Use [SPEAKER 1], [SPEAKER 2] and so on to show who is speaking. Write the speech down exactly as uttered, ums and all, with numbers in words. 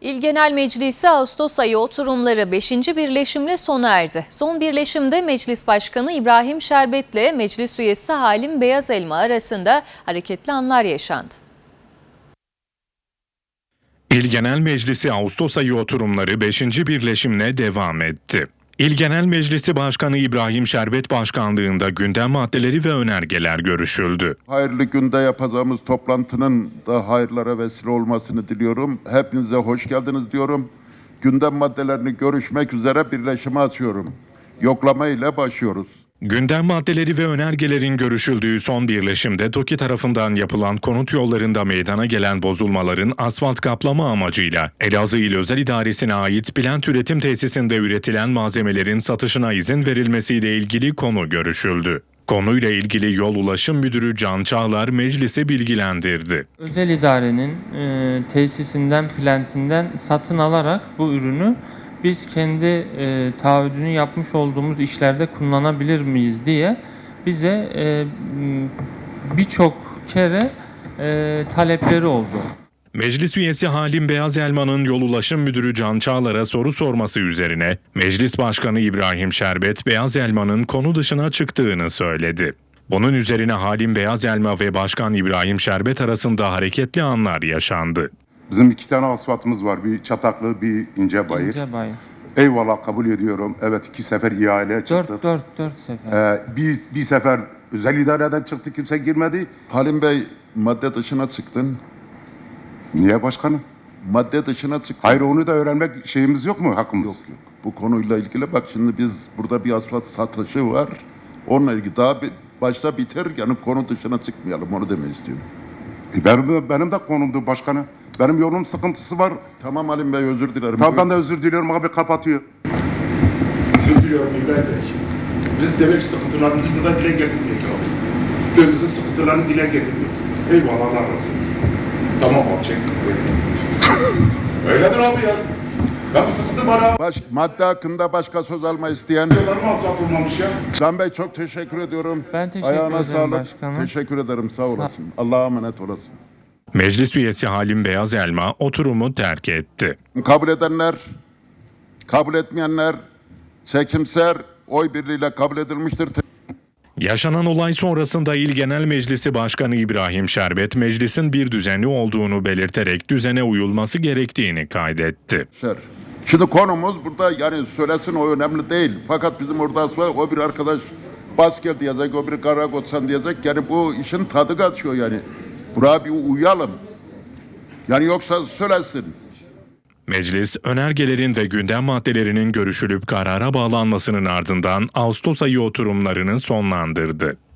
[SPEAKER 1] İl Genel Meclisi Ağustos ayı oturumları beşinci birleşimle sona erdi. Son birleşimde Meclis Başkanı İbrahim Şerbet ile Meclis Üyesi Halim Beyazelma arasında hareketli anlar yaşandı.
[SPEAKER 2] İl Genel Meclisi Ağustos ayı oturumları beşinci birleşimle devam etti. İl Genel Meclisi Başkanı İbrahim Şerbet başkanlığında gündem maddeleri ve önergeler görüşüldü.
[SPEAKER 3] Hayırlı günde yapacağımız toplantının da hayırlara vesile olmasını diliyorum. Hepinize hoş geldiniz diyorum. Gündem maddelerini görüşmek üzere birleşime açıyorum. Yoklama ile başlıyoruz.
[SPEAKER 2] Gündem maddeleri ve önergelerin görüşüldüğü son birleşimde TOKİ tarafından yapılan konut yollarında meydana gelen bozulmaların asfalt kaplama amacıyla Elazığ İl Özel İdaresi'ne ait Bilent Üretim Tesisi'nde üretilen malzemelerin satışına izin verilmesiyle ilgili konu görüşüldü. Konuyla ilgili Yol Ulaşım Müdürü Can Çağlar meclisi bilgilendirdi.
[SPEAKER 4] Özel idarenin e, tesisinden, plentinden satın alarak bu ürünü biz kendi e, taahhüdünü yapmış olduğumuz işlerde kullanabilir miyiz diye bize e, birçok kere e, talepleri oldu.
[SPEAKER 2] Meclis üyesi Halim Beyazelma'nın Yol Ulaşım Müdürü Can Çağlar'a soru sorması üzerine Meclis Başkanı İbrahim Şerbet, Beyazelma'nın konu dışına çıktığını söyledi. Bunun üzerine Halim Beyazelma ve Başkan İbrahim Şerbet arasında hareketli anlar yaşandı.
[SPEAKER 5] Bizim iki tane asfaltımız var. Bir Çataklı, bir İncebayır.
[SPEAKER 4] İncebayır.
[SPEAKER 5] Eyvallah, kabul ediyorum. Evet, iki sefer ihale çıktık.
[SPEAKER 4] Dört, dört, dört sefer.
[SPEAKER 5] Ee, bir, bir sefer özel idareden çıktı, kimse girmedi.
[SPEAKER 3] Halim Bey, madde dışına çıktın.
[SPEAKER 5] Niye başkanım?
[SPEAKER 3] Madde dışına çıktın.
[SPEAKER 5] Hayır, onu da öğrenmek şeyimiz yok mu, hakkımız?
[SPEAKER 3] Yok yok. Bu konuyla ilgili bak şimdi biz burada bir asfalt satışı var. Onunla ilgili daha bir, başta biter yani konu dışına çıkmayalım onu demek istiyorum.
[SPEAKER 5] E benim, benim de konumdu başkanım. Benim yolum sıkıntısı var.
[SPEAKER 3] Tamam Halim Bey, özür dilerim.
[SPEAKER 5] Tamam, ben de özür diliyorum abi, kapatıyor.
[SPEAKER 6] Özür diliyorum İbrahim Bey. Biz demek ki sıkıntılarımızı burada dile getirmek abi. Köyümüzün sıkıntılarını dile getirmek. Eyvallah, Allah razı olsun. Tamam abi, çektim. Öyledir abi ya. Ben bu sıkıntı var abi.
[SPEAKER 3] Baş, madde hakkında başka söz alma isteyen.
[SPEAKER 6] Yollarım asfalt olmamış ya.
[SPEAKER 3] Can Bey çok teşekkür ediyorum.
[SPEAKER 4] Ben teşekkür
[SPEAKER 3] Ayağına
[SPEAKER 4] ederim
[SPEAKER 3] sağlık.
[SPEAKER 4] başkanım.
[SPEAKER 3] Teşekkür ederim, sağ olasın. Allah'a emanet olasın.
[SPEAKER 2] Meclis üyesi Halim Beyazelma oturumu terk etti.
[SPEAKER 3] Kabul edenler, kabul etmeyenler çekimser oy birliğiyle kabul edilmiştir.
[SPEAKER 2] Yaşanan olay sonrasında İl Genel Meclisi Başkanı İbrahim Şerbet, meclisin bir düzeni olduğunu belirterek düzene uyulması gerektiğini kaydetti.
[SPEAKER 3] Şimdi konumuz burada yani söylesin o önemli değil. Fakat bizim orada o bir arkadaş bas gel diyecek, o bir Karagotsan diyecek. Yani bu işin tadı kaçıyor yani. Buraya bir uyalım. Yani yoksa söylesin.
[SPEAKER 2] Meclis, önergelerin ve gündem maddelerinin görüşülüp karara bağlanmasının ardından Ağustos ayı oturumlarını sonlandırdı.